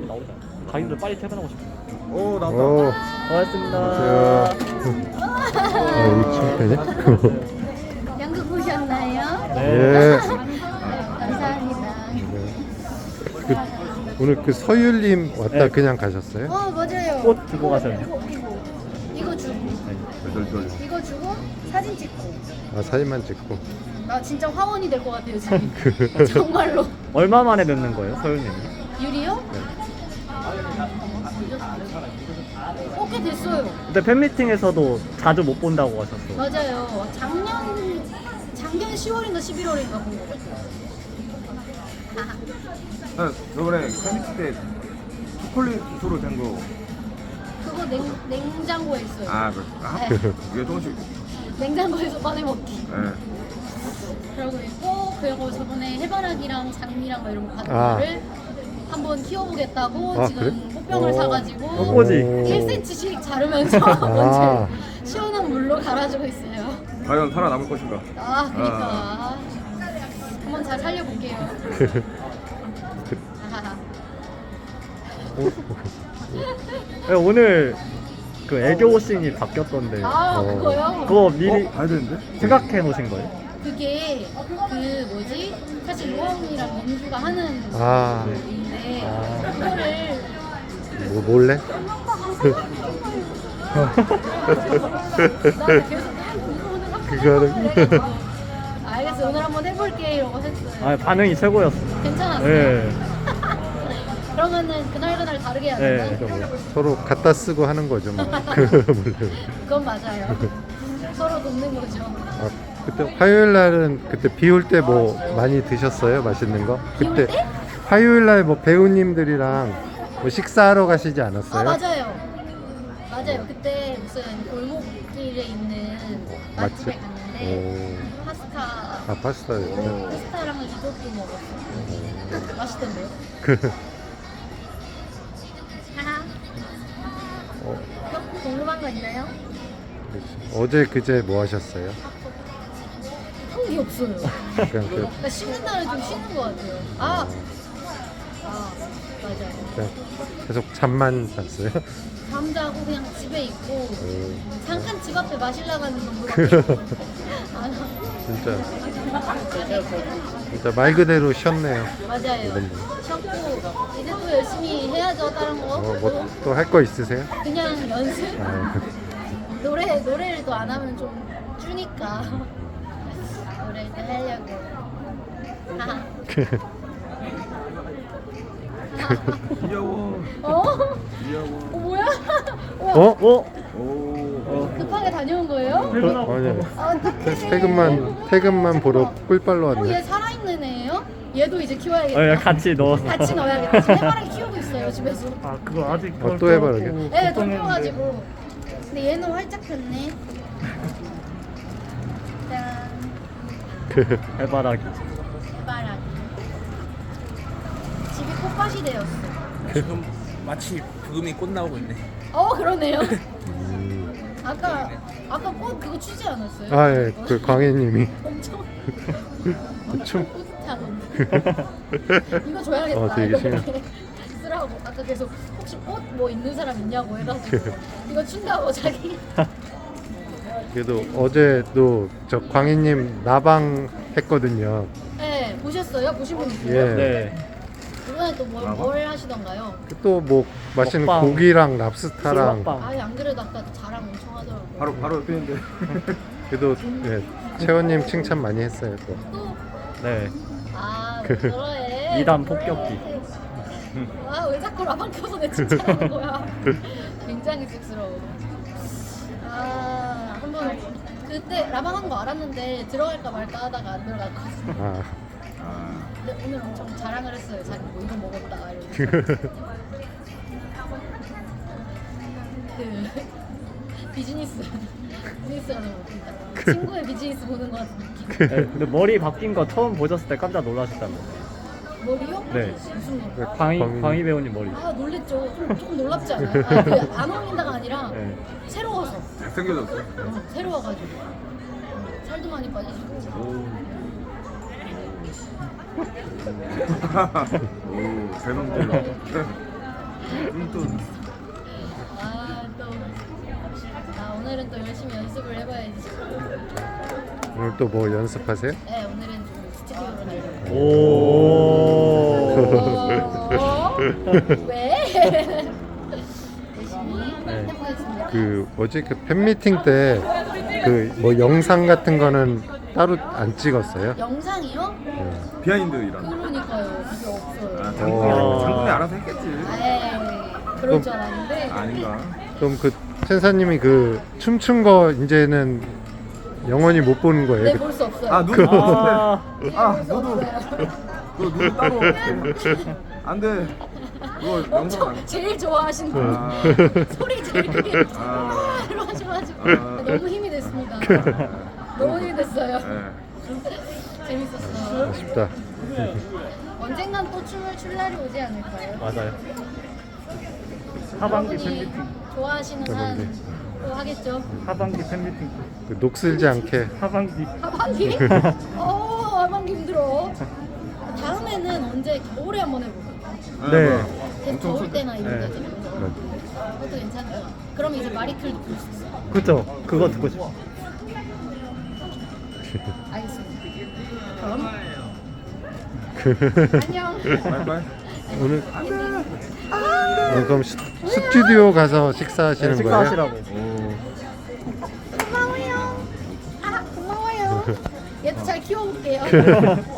나오지 않아? 자기들 빨리 퇴근하고 싶어. 오 나왔다. 오, 고맙습니다. 여기 칭찬이야? 연극 보셨나요? 네. 예. 감사합니다. 그, 오늘 그 서율님 왔다 네. 그냥 가셨어요? 맞아요. 꽃 주고 가셨네요. 이거 주고 이거 주고 사진 찍고. 아, 사진만 찍고. 나 진짜 화원이 될 것 같아요 지금. 정말로. 얼마 만에 뵙는 거예요, 서윤님? 유리요? 꽤 됐어요. 근데 팬미팅에서도 자주 못 본다고 하셨어. 맞아요. 작년 10월인가 11월인가 본 거. 저번에 팬미팅 때 초콜릿으로 된 거. 그거 냉장고에 있어요. 그래. 네. 이게 조금씩. 냉장고에서 꺼내 먹기. 네. 그러고 있고, 그리고 저번에 해바라기랑 장미랑 막 이런 거 받은 아. 거를 한번 키워보겠다고 아, 지금 그래? 꽃병을 사가지고 꽃꽂이. 1cm씩 자르면서 먼저 시원한 물로 갈아주고 있어요. 과연 살아남을 것인가? 그러니까 한번 잘 살려볼게요. 네, 오늘 그 애교 씬이 바뀌었던데 그거요? 그거 미리 봐야 되는데? 생각해 놓으신 거예요? 그게 그 뭐지? 사실 로아언니랑 민주가 하는 아. 일인데 아. 그거를 뭐 몰래? 나한테 계속 이거 오늘 한번 그거를. 해보라고 알겠어 오늘 한번 해볼게 이러고 했어요. 아, 반응이 최고였어. 괜찮았어요? 네. 그러면은 그날 다르게 해야 네. 되나? 서로 갖다 쓰고 하는 거죠, 뭐. 몰래. 그건 맞아요. 서로 돕는 거죠. 아, 그때 화요일 날은 그때 비 올 때 뭐 많이 드셨어요? 맛있는 거? 비올 그때 때? 화요일 날 뭐 배우님들이랑 뭐 식사하러 가시지 않았어요? 맞아요. 맞아요. 그때 무슨 골목길에 있는 맛집에 맛집? 갔는데 파스타 아, 파스타였어요. 파스타랑 리조또 먹었어요. 맛있던데요? 하하. 어, 궁금한 거 있나요? 어제 그제 뭐 하셨어요? 한 게 없어요. 그냥 그 그러니까 쉬는 날은 좀 쉬는 것 같아요. 맞아요. 그냥 계속 잠만 잤어요? 잠자고 그냥 집에 있고 오, 잠깐 집 앞에 마실 나가는 정도밖에 진짜 말 그대로 쉬었네요. 맞아요. 이번 쉬었고 이제 또 열심히 해야죠 다른 거. 뭐 또 할 거 있으세요? 그냥 연습. 아, 노래를 또 안 하면 좀 주니까 노래를 또 하려고. 하하. 귀여워. 귀여워. 뭐야? 우와, 어? 오. 급하게 다녀온 거예요? 아니요. 어떡해. 퇴근만 보러 꿀빨로 얘 왔네. 살아있는 애예요? 얘도 이제 키워야겠다. 네, 같이 넣어서. 같이 넣어야겠다. 지금 해바라기 키우고 있어요 집에서. 아, 그거 아직 또 해봐라. 네, 좀 키워가지고. 근데 얘는 활짝 폈네. 짠. 해바라기. 해바라기. 집이 꽃밭이 되었어. 지금 마치 부금이 꽃 나오고 있네. 그러네요. 아까 꽃 그거 추지 않았어요? 아, 예, 그 광희님이 엄청 춤. 뿌듯하던데. 이거 줘야겠다. 되게 이거 신기해. 이렇게 쓰라고 아까 계속 혹시 꽃 뭐 있는 사람 있냐고 해가지고 이거 춘다고 자기. 그래도 어제도 저 광희님 나방 했거든요. 네 보셨어요? 보신 분 있어요? 예. 네. 이번에 또 뭘 하시던가요? 또 뭐 맛있는 먹방. 고기랑 랍스타랑. 술먹방. 아예 안 그래도 아까 자랑 엄청 하더라고요. 바로 옆에 있는데. 그래도 예, 채원님 칭찬 많이 했어요. 또. 또? 네. 왜 저래? 이단 폭격기. 왜 자꾸 라방 켜서 내 칭찬하는 거야? 굉장히 쑥스러워. 한번 그때 라방 한 거 알았는데 들어갈까 말까 하다가 안 들어갔거든요. 아, 근데 오늘 엄청 자랑을 했어요. 자기 뭐 이거 먹었다 이러면서. 비즈니스가 너무 웃긴다. 친구의 비즈니스 보는 것 같은 느낌. 네, 근데 머리 바뀐 거 처음 보셨을 때 깜짝 놀라셨다고. 머리요? 네. 무슨 머리? 광희 배우님 머리. 놀랬죠. 조금 놀랍지 않아요? 안 어울린다가 아니라 네. 새로워서. 생겨졌어. 새로워가지고 살도 많이 빠지시고. 오, 대놈들. 오늘은 또 열심히 연습을 해봐야지. 오늘 또 뭐 연습하세요? 네, 오늘은 좀 스튜디오로 가려고. 오. 왜? 열심히 해보겠습니다. 그 뭐지 그 팬미팅 때 그 뭐 영상 같은 거는 따로 안 찍었어요? 영상이요? 비하인드 이런. 그러니까요. 그게 없어요. 장군이 알아서 했겠지. 에이, 그럴 줄 알았는데. 아닌가? 그럼 그 천사님이 그 춤춘 거 이제는 영원히 못 보는 거예요? 네, 볼 수 없어요. 아 누구? 아. 아 너도 누구 따로 안 돼. 그거 영상 엄청 안. 제일 좋아하시는 분. 아, 소리 제일 크게 아. 이러셔가지고 아. 너무 힘이 됐습니다. 너무 힘이 됐어요. 네. 재밌었어. 아쉽다. 언젠간 또 춤을 출 날이 오지 않을까요? 맞아요. 하반기 여러분이 팬미팅. 좋아하시는 한 또 하겠죠. 하반기 팬미팅. 그 녹슬지 않게 하반기. 하반기? 하반기 힘들어. 다음에는 언제 겨울에 한번 해볼까요? 네. 더울 때나 이런 네. 데서 그것도 괜찮죠. 그럼 이제 마리클도 볼 수 있어요. 그쵸. 그거 듣고 싶어. 알겠습니다. 그럼 안녕. 바이바이. 오늘 그럼 스튜디오 가서 식사하시는 네, 거예요? 식사하시라고. 고마워요. 고마워요. 얘도 잘 키워볼게요.